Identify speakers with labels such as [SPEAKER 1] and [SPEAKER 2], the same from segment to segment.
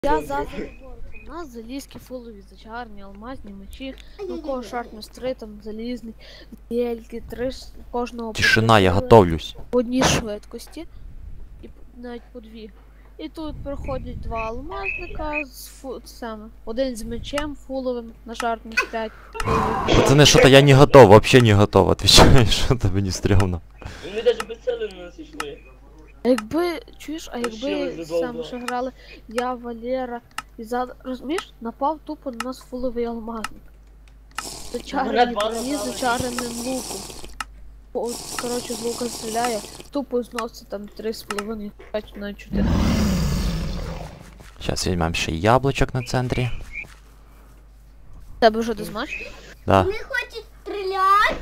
[SPEAKER 1] Я за заборку. У нас залізки фулові, зачарні, алмазні мечі, ну кого шарт-містри, там залізний, дельки, три кожного
[SPEAKER 2] Тишина, я
[SPEAKER 1] потрібно
[SPEAKER 2] готовлюсь.
[SPEAKER 1] по одній швидкості, і навіть по дві. І тут приходять два алмазника з саме. Один з мечем фуловим на шарт-міст 5.
[SPEAKER 2] Пацаны, что-то я не готов, вообще не готов, отвечаю, что-то мені стрёмно.
[SPEAKER 3] Вони навіть без цели на нас йшли.
[SPEAKER 1] А якби, чуєш, а якби
[SPEAKER 3] Ще
[SPEAKER 1] саме ще грали я, Валера і розумієш, напав тупо на нас фуловий алмазник. Зачарений броні, зачареним луком. От, коротше, з лука стріляє, тупо зносить там 3,5, 5 на 4.
[SPEAKER 2] Сейчас візьмемо ще яблучок на центрі.
[SPEAKER 1] Тебе вже дознач?
[SPEAKER 2] Да.
[SPEAKER 4] Не хочет стрелять.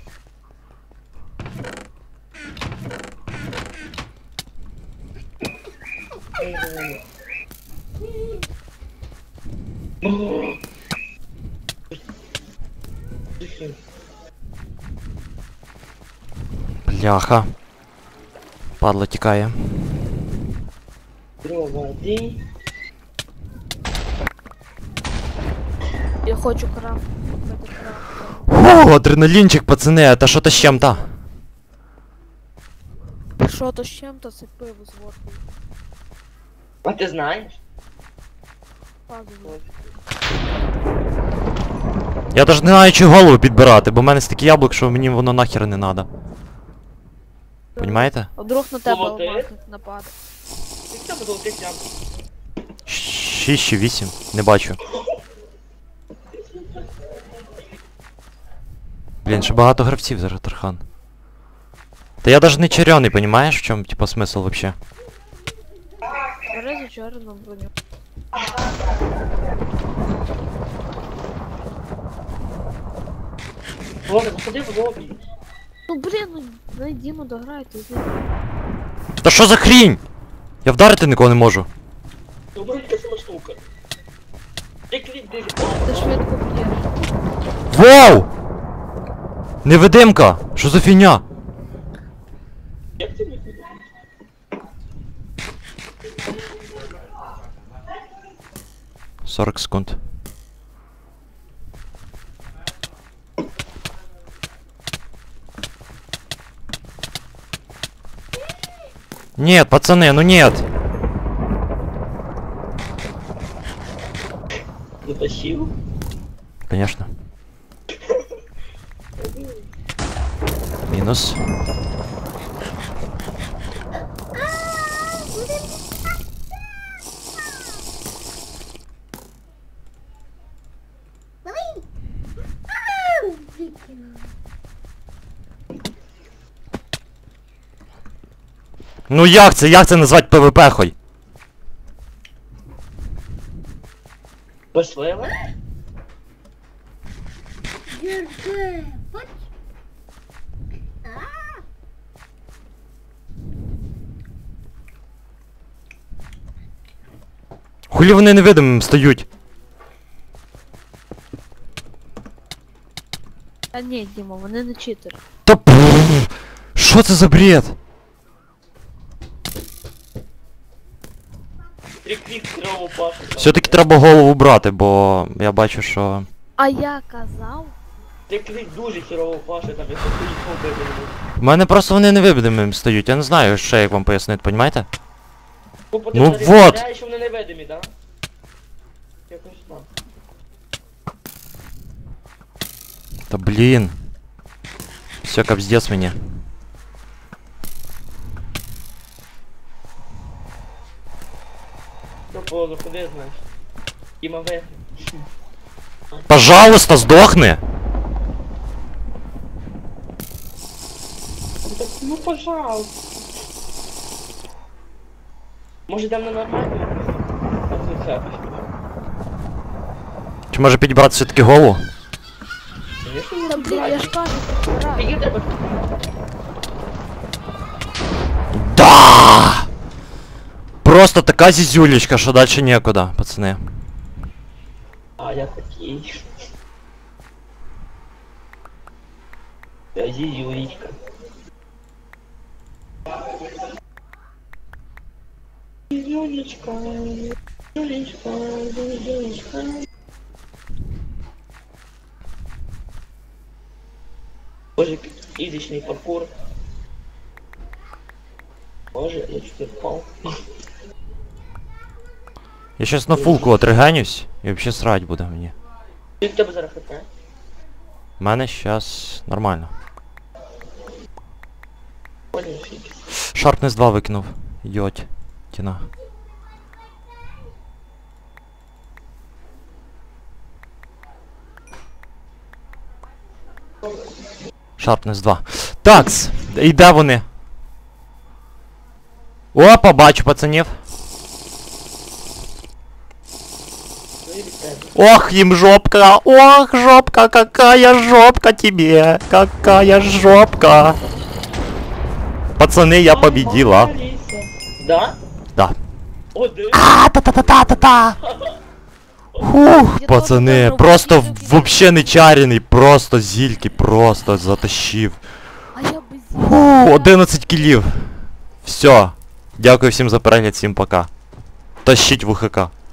[SPEAKER 2] Бляха. Падла тікає.
[SPEAKER 3] Проводи.
[SPEAKER 1] Я хочу крафт. Купити крафт.
[SPEAKER 2] О, адреналінчик, пацани, это что-то з чим-то.
[SPEAKER 1] Що то з чим-то, це пиво з водкою.
[SPEAKER 3] А ти знаєш?
[SPEAKER 1] Пазове.
[SPEAKER 2] Я даже не знаю, чи голову підбирати, бо в мене стільки яблук, що мені воно нахер не надо. Понімаєте?
[SPEAKER 1] А вдруг на тебе
[SPEAKER 3] Золотий?
[SPEAKER 1] алмазник нападе.
[SPEAKER 3] Як тебе золотих яблук?
[SPEAKER 2] 6 чи 8, не бачу. Блін, ще багато гравців зараз, Тархан. Та я даже не чарьоний, понімаєш, в чому, типа, смисл вообще?
[SPEAKER 1] Бери зачарену броню.
[SPEAKER 3] Ладно, походи в лобі.
[SPEAKER 1] Ну блін, ну найдімо, дограйте.
[SPEAKER 2] Та що за хрінь? Я вдарити нікого не можу.
[SPEAKER 3] Ну, вроді така сама штука. Ти клік дуже...
[SPEAKER 1] Ти швидко б'єш.
[SPEAKER 2] Вау! Невидимка! Що за фігня?
[SPEAKER 3] Як ти міг?
[SPEAKER 2] 40 секунд. Нет, пацаны, ну нет!
[SPEAKER 3] Затащив?
[SPEAKER 2] Конечно. Минус.
[SPEAKER 4] Блин. Выкинул.
[SPEAKER 2] Ну як це? Як це назвати ПВП хой?
[SPEAKER 3] Пошлила?
[SPEAKER 4] Держи. Вот. А,
[SPEAKER 2] Хулі вони невидимим стають?
[SPEAKER 1] Та ні, Дімо, вони не читери.
[SPEAKER 2] Та пф, що це за бред?
[SPEAKER 3] Три клік здорово пашу.
[SPEAKER 2] Все-таки треба голову брати, бо я бачу, що...
[SPEAKER 1] А я казав,
[SPEAKER 3] Три клік дуже хірово пашу, там якщо ти їх побити.
[SPEAKER 2] У мене просто вони невидимим стають, я не знаю ще як вам пояснити, понімаєте? Ну вот.
[SPEAKER 3] Що вони невидимі, да? Якось так.
[SPEAKER 2] Та блін. Все капздец мені.
[SPEAKER 3] Ну, позу, куди знаєш? Іма вигне.
[SPEAKER 2] Пожалуйста, здохни!
[SPEAKER 3] Ну, пожалуйста. Може йдемо на нормальну?
[SPEAKER 2] Чи може підібрати все-таки голову?
[SPEAKER 3] Звісно,
[SPEAKER 1] та блін, я ж кажу, грай.
[SPEAKER 3] Скільки треба?
[SPEAKER 2] Да! Просто така зізюлечка, що дальше некуда, пацани.
[SPEAKER 3] А, я такий. Я зізюлечка. Зізюлечка. Юлечка, Юлечка. Боже, изичный паркур. Боже, я чуть не впал.
[SPEAKER 2] Я щас на фулку отригенюсь і вообще срать буде мені.
[SPEAKER 3] Скільки тебе зараз хп?
[SPEAKER 2] У мене щас нормально.
[SPEAKER 3] Понял, фіки.
[SPEAKER 2] Шарпнес 2 викинув. Йоть. Тіна. Шарпнес 2. Такс! І де вони? Опа, бачу пацанів. Ох, им жопка! Ох, жопка! Какая жопка тебе! Какая жопка! Пацаны, я победила.
[SPEAKER 3] Да?
[SPEAKER 2] Да.
[SPEAKER 3] Один.
[SPEAKER 2] Та-та-та-та-та-та! Фух, пацаны, просто вообще не чарений, просто зільки, просто затащив.
[SPEAKER 1] А я без
[SPEAKER 2] Фу, 11 кілів. Все. Дякую всім за перегляд, всім пока. Тащіть ВХК.